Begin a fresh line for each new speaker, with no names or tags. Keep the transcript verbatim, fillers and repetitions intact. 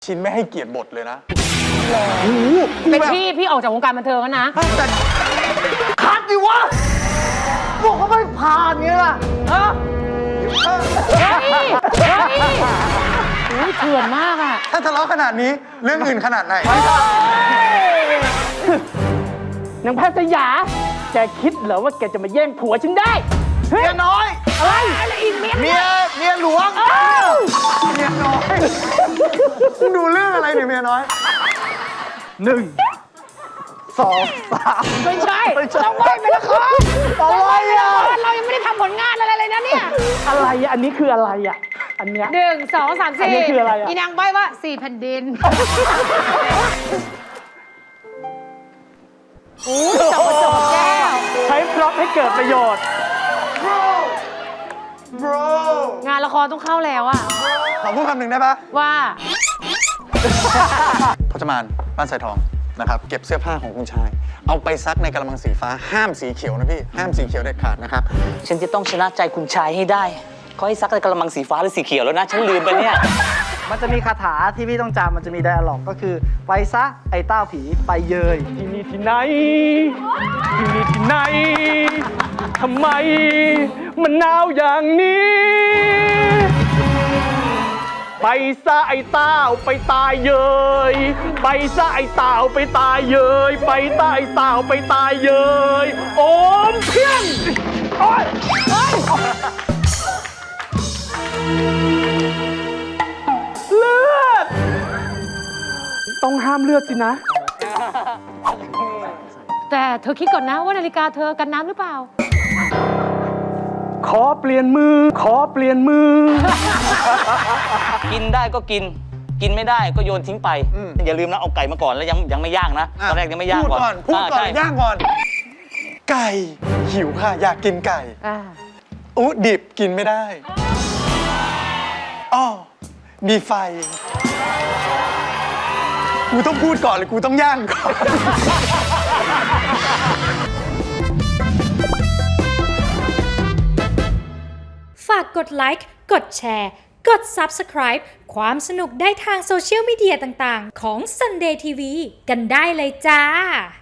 ชินไม่ให้เกียรติบทเลยนะ
เป็นพี่พี่ออกจากวงการบันเทิงแล้วนะ
แต่คัดดิวะพวกเขาไม่ผ่านเงี้ยล่ะฮะ
เฮ้ยเฮ้ยโอ้ยเถื่อนมากอะ
ถ้าทะเลาะขนาดนี้เรื่องอื่นขนาดไหน
นางแพทย์ยาแกคิดเหรอว่าแกจะมาแย่งผัวฉันได้
เมียน้อย
อะไรอะไรอีกเมีย
เมียเมียหลวงเมียน้อยดูเรื่องอะไรเนี่ยเมียน้อยหนึ่งสองสาม
ไม่ใช่เราไหวไปละคร
อะไรอ่ะ
เรายังไม่ได้ทำผลงานอะไรเลยนะเนี่ย
อะไรอ่ะอันนี้คืออะไรอ่ะอันเนี้ย
หนึ่งสองสามสี่
อันนี้คืออะไรอ่ะ
อีนางใบ้ว่าสี่แผ่นดินโอ้ยจับมาจบแก้ว
ใช้พร็อพให้เกิดประโยชน์
bro bro
งานละครต้องเข้าแล้วอะ
ขอพูดคำหนึ่งได้ปะ
ว่า
พจมานบ้านสายทองนะครับเก็บเสื้อผ้าของคุณชายเอาไปซักในกระมังสีฟ้าห้ามสีเขียวนะพี่ห้ามสีเขียวเด็ดขาดนะครับ
ฉันจะต้องชนะใจคุณชายให้ได้เขาให้ซักในกระมังสีฟ้าหรือสีเขียวแล้วนะฉันลืมไปเนี่ย
มันจะมีคาถาที่พี่ต้องจำมันจะมีไดอะล็อกก็คือไปซะไอ้เต้าผีไปเยย
ที่นี่ที่ไหนที่นี่ที่ไหนทำไมมันหนาวอย่างนี้ไปซะไอ้เต้าไปตายเยยไปซะไอ้เต้าไปตายเยยไปตายเต้าไปตายเยยโอมเพียงโอ๊ยเลือดต้องห้ามเลือดสินะ
แต่เธอคิดก่อนนะว่านาฬิกาเธอกันน้ำหรือเปล่า
ขอเปลี่ยนมือขอเปลี่ยนมือ
กินได้ก็กินกินไม่ได้ก็โยนทิ้งไปอย่าลืมนะเอาไก่มาก่อนแล้วยังยังไม่ย่างนะตอนแรกยังไม่ย่างก่อน
พูดก่อนย่างก่อนไก่หิวค่ะอยากกินไก่อู้ดิบกินไม่ได้อ้อมีไฟกูต้องพูดก่อนหรือกูต้องย่างก่อน
ฝากกดไลค์กดแชร์กด ซับสไครบ์ ความสนุกได้ทางโซเชียลมีเดียต่างๆของ Sunday ที วี กันได้เลยจ้า